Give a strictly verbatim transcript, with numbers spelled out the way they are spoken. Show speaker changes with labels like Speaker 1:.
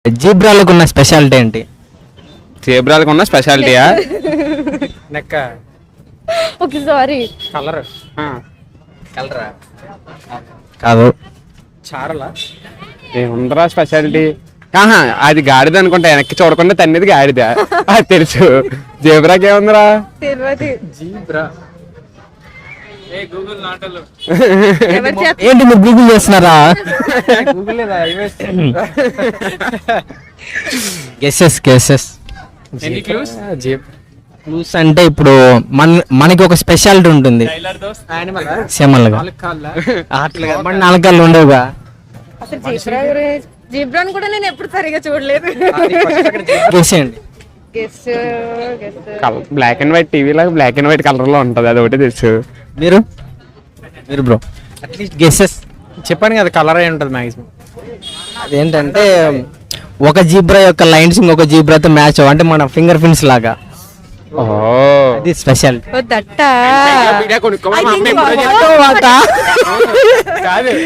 Speaker 1: జీబ్రాలకు ఉన్న స్పెషాలిటీ ఏంటి?
Speaker 2: జీబ్రాలకు ఉన్న స్పెషాలిటీయా?
Speaker 3: నెక్క
Speaker 4: ఓకే సారీ
Speaker 3: కలర్
Speaker 2: కలరా
Speaker 1: కాదు.
Speaker 3: చారలా
Speaker 2: ఏముందరా స్పెషాలిటీ? ఆహా అది గాడిద అనుకుంటా, వెనక్కి చూడకుండా తన్నేది గాడిద, అది తెలుసు. జీబ్రాకి ఏముందిరా?
Speaker 4: తెలియదు.
Speaker 3: జీబ్రా
Speaker 4: ఎవరు చేత
Speaker 1: ఏంటి మీరు గూగుల్ చేస్తున్నారా?
Speaker 3: గూగుల్ లేదా
Speaker 1: గెసెస్ గెసెస్
Speaker 3: జీబ్
Speaker 1: క్లూస్ అంటే ఇప్పుడు మన మనకి ఒక స్పెషాలిటీ ఉంటుంది.
Speaker 3: యానిమల్
Speaker 1: సేమల్గా అట్లా మన నాలుగు ఉండవుగా.
Speaker 4: అసలు జీబ్రా గురించి జీబ్రాని కూడా నేను ఎప్పుడు సరిగా చూడలేదు.
Speaker 1: గెసేయండి.
Speaker 4: Guess guess
Speaker 2: black and white టీవీలో బ్లాక్ అండ్ వైట్ కలర్ లో ఉంటది, అది ఒకటి తెలుసు.
Speaker 1: మీరు మీరు బ్రో అట్లీస్ట్ గెసెస్
Speaker 3: చెప్పాను కదా కలర్ అయి ఉంటుంది మాక్సిమం.
Speaker 1: అదేంటంటే ఒక జీబ్రా యొక్క లైన్స్ ఇంకొక జీబ్రాతో మ్యాచ్ అవ్వ, అంటే మన ఫింగర్ ప్రింట్స్ లాగా.
Speaker 2: ఓ
Speaker 1: అది స్పెషాలిటీ.
Speaker 4: దట్ట
Speaker 2: కొనుక్కో
Speaker 4: I think